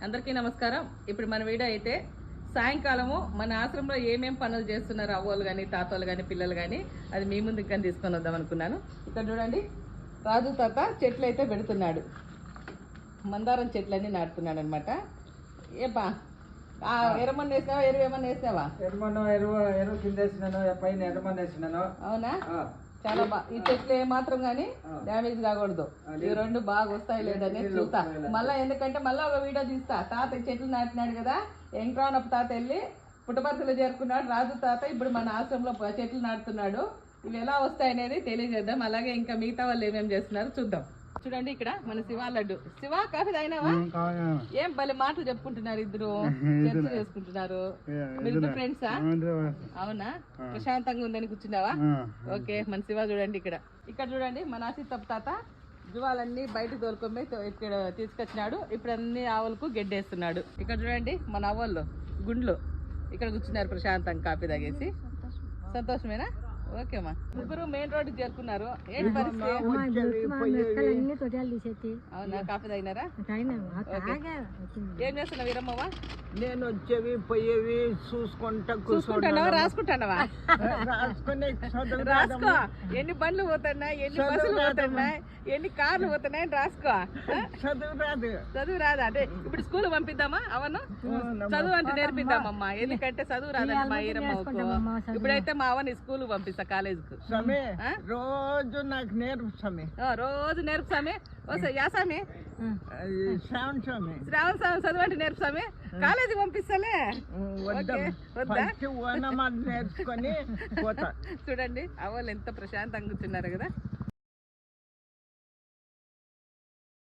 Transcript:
అందరికీ నమస్కారం. ఇప్పుడు మన వీడియో అయితే సాయంకాలము మన ఆశ్రమంలో ఏమేం పనులు చేస్తున్నారు అవ్వలు కానీ తాతలు కానీ పిల్లలు కానీ అది మీ ముందు ఇంకా తీసుకొని వద్దాం అనుకున్నాను. ఇక్కడ చూడండి, రాజు తాత చెట్లు అయితే పెడుతున్నాడు. మందారం చెట్లన్నీ నాటుతున్నాడు అనమాట. ఏపా ఎర్రమన్న వేసినావా, ఎరువు ఏమన్నా వేసినావా? ఎరువు కింద వేసినాను, పైన ఎర్రమన్న వేసినాను. అవునా, చాలా బాగా. ఈ చెట్లు ఏమాత్రం కానీ డ్యామేజ్ కాకూడదు. ఈ రెండు బాగా వస్తాయి లేదని చూస్తా మళ్ళీ, ఎందుకంటే మళ్ళీ ఒక వీడియో తీస్తా. తాత చెట్లు నాటినాడు కదా, ఎంక్రానప్ప తాత వెళ్ళి పుట్టపర్తిలో చేరుకున్నాడు. రాజు తాత ఇప్పుడు మన ఆశ్రమంలో చెట్లు నాటుతున్నాడు. ఇవి ఎలా వస్తాయనేది తెలియజేద్దాం. అలాగే ఇంకా మిగతా వాళ్ళు ఏమేమి చేస్తున్నారు చూద్దాం. చూడండి, ఇక్కడ మన శివ లడ్డు. శివ, కాఫీ తాగినావా? ఏం భలే మాటలు చెప్పుకుంటున్నారు ఇద్దరు, చర్చ చేసుకుంటున్నారు. మీరు ఫ్రెండ్సా? అవునా, ప్రశాంతంగా ఉందని కూర్చున్నావా? ఓకే. మన శివ చూడండి, ఇక్కడ చూడండి మన ఆసితప్ప తాత జువాలన్నీ బయటకు తోలుకొని ఇక్కడ తీసుకొచ్చినాడు. ఇప్పుడు అన్ని ఆవులకు గెడ్డేస్తున్నాడు. ఇక్కడ చూడండి మన అవ్వళ్ళు గుండ్లు ఇక్కడ కూర్చున్నారు ప్రశాంతంగా కాఫీ తాగేసి. సంతోషమేనా? ఓకేమ్మా. ముగ్గురు మెయిన్ రోడ్డు చేరుకున్నారు. ఏంటి పరిస్థితి? అవునా, కాఫీ తాగినారా? ఏం చేస్తున్నావు వీరమ్మవా? నేను వచ్చేవి పోయేవి చూసుకుంటున్నావా, రాసుకుంటున్నావా? రాసుకో. ఎన్ని బండ్లు పోతున్నాయి, ఎన్ని బస్సులు పోతున్నాయి, ఎన్ని కార్లు పోతున్నాయి రాసుకో. చదువు రాదా? అంటే ఇప్పుడు స్కూల్ పంపిద్దామా? అవను చదువు అంటే నేర్పిద్దామమ్మా. ఎందుకంటే చదువు రాదండి మా ఈరమ్మకు. ఇప్పుడైతే మా అవని స్కూల్ పంపిస్తా, కాలేజ్ కు. రోజు నాకు నేర్పు స్వామి, రోజు నేర్పు స్వామి. యాసామి శ్రావణ స్వామి, శ్రావణ స్వామి చదువు అంటే నేర్పు స్వామి. కాలేజీ పంపిస్తాలే. నేర్చుకొని పోతా. చూడండి అవ్వలు ఎంత ప్రశాంతంగా కూర్చున్నారు కదా.